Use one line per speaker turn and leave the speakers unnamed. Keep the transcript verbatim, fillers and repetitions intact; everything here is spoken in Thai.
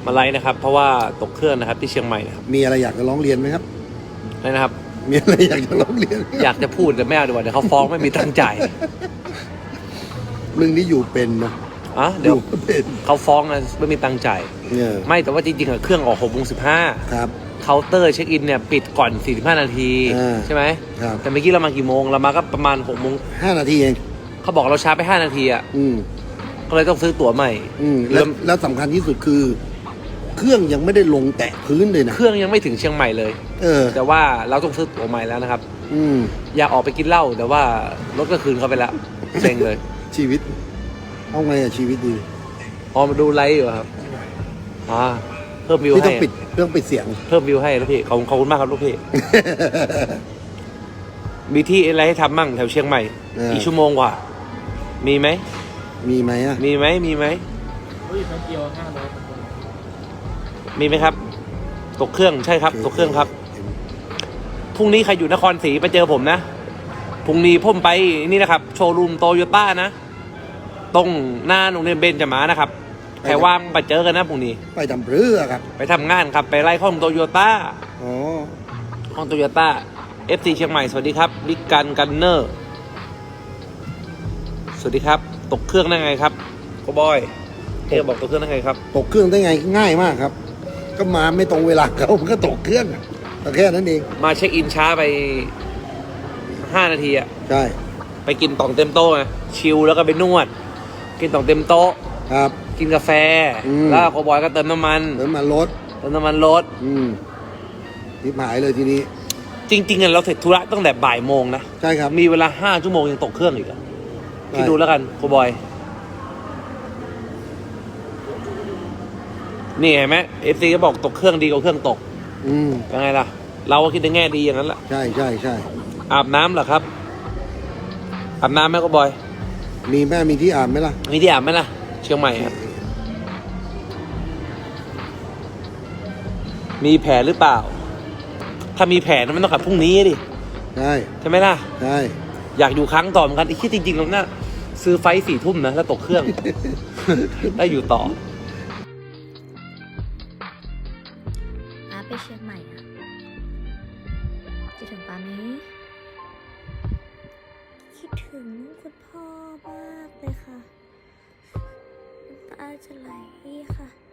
มาไลฟ์นะครับเพราะว่าตกเครื่องนะครับที่เชียงใหม่นะครับ
มีอะไรอยากจะร้องเรียนไหมครับ
อะไรนะครับ
มีอะไรอยากจะร้องเรียน
อยากจะพูดแต่ไม่เอาดีกว่าเดี๋ยวเขาฟ้องไม่มีตังค์จ่าย
เรื่องนี้อยู่เป็นนะ
อ่ะเดี๋ยวเขาฟ้องนะไม่มีตังค์จ่ายไม่แต่ว่าจริงๆอะเครื่องออกหกโมงสิบห้า
ครับ
เคาน์เตอร์เช็คอินเนี่ยปิดก่อนสี่สิบห้านาทีใช่ไหม
ครับ
แต่เมื่อกี้เรามากี่โมงเรามาก็ประมาณหกโมง
ห้านาทีเอง
เขาบอกเราช้าไปห้านาทีอ่ะ
อืม
ก็เลยต้องซื้อตั๋วใหม่
อืมแล้วแล้วสำคัญที่สุดคือ เครื่องยังไม่ได้ลงแตะพื้นเลยนะ
เครื่องยังไม่ถึงเชียงใหม่เลย
เออ
แต่ว่าเราต้องซื้อตั๋วใหม่แล้วนะครับ
อืม
อยากออกไปกินเหล้าแต่ว่ารถก็คืนเขาไปแล้วเซ็งเลย
ชีวิตเอาไงอะชีวิตดี
พอมาดูไลฟ์อยู่ครับอ่าเพิ่มวิวให้
ต้องปิดเรื่องปิดเสียง
เพิ่มวิวให้แล้วพี่ขอบขอบคุณมากครับลูกพี่ มีที่อะไรให้ทำมั่งแถวเชียงใหม่อีกชั่วโมงกว่ามีไหม
มีไหมอ่ะ
มีไหมมีไหม
เฮ้ยแป๊บเดียวห้าร้อย
มีไหมครับตกเครื่องใช่ครับตกเครื่องครับพรุ่งนี้ใครอยู่นครศรีไปเจอผมนะพรุ่งนี้ผมไปนี่นะครับโชว์รูมโตโยต้านะตรงหน้าโรงเรียนเบญจมานะครับใครว่างไปเจอกันนะพรุ่งนี้
ไปทำเรือครับ
ไปทำงานครับไปไล่ข้องโตโยต้า
อ๋อ
ห้องโตโยต้าเอฟซีเชียงใหม่สวัสดีครับบิ๊กกันกันเนอร์สวัสดีครับตกเครื่องได้ไงครับโกบอยเอ๊บอกตกเครื่องได้ไงครับ
ตกเครื่องได้ไงง่ายมากครับก็มาไม่ตรงเวลาเขามันก็ตกเครื่องแต่แค่นั้นเอง
มาเช็คอินช้าไปห้านาทีอะ
ใช่
ไปกินต่องเต็มโต๊ะไงชิลแล้วก็ไปนวดกินต่องเต็มโต๊ะ
ครับ
กินกาแฟแล้วโกบอยก็เติมน้ำมัน
เติมน้ำมันรถ
เติมน้ำมันรถ
อืมทิพหายเลยทีนี้
จริงๆเราเสร็จธุระตั้งแต่บ่ายโมงนะ
ใช่ครับ
มีเวลาห้าชั่วโมงยังตกเครื่องอีกอ่ะคิดดูแล้วกันโกบอยนี่เห็นไหมเอฟซีก็บอกตกเครื่องดีกว่าเครื่องตก
อืม
ยังไงล่ะเราก็คิดในแง่ดีอย่างนั้นแหละ
ใช่ใช่ใช่
อาบน้ำเหรอครับอาบน้ำไหมโกบอย
มีแม่มีที่อาบไหมล่ะ
มีที่อาบไหมล่ะเชียงใหม่ครับมีแผลหรือเปล่าถ้ามีแผลมันต้องกลับพรุ่งนี้ดิ
ใช่
ใช่ไหมล่ะ
ใช่
อยากอยู่ครั้งต่อเหมือนกันไอ้ที่จริงๆเราเนี่ยซื้อไฟสี่ทุ่มนะแล้วตกเครื่อง ได้อยู่ต่อ
อาไปเชียงใหม่อ่ะคิดถึงปาไหมคิดถึงคุณพ่อมากเลยค่ะน้ำตาจะไหลค่ะ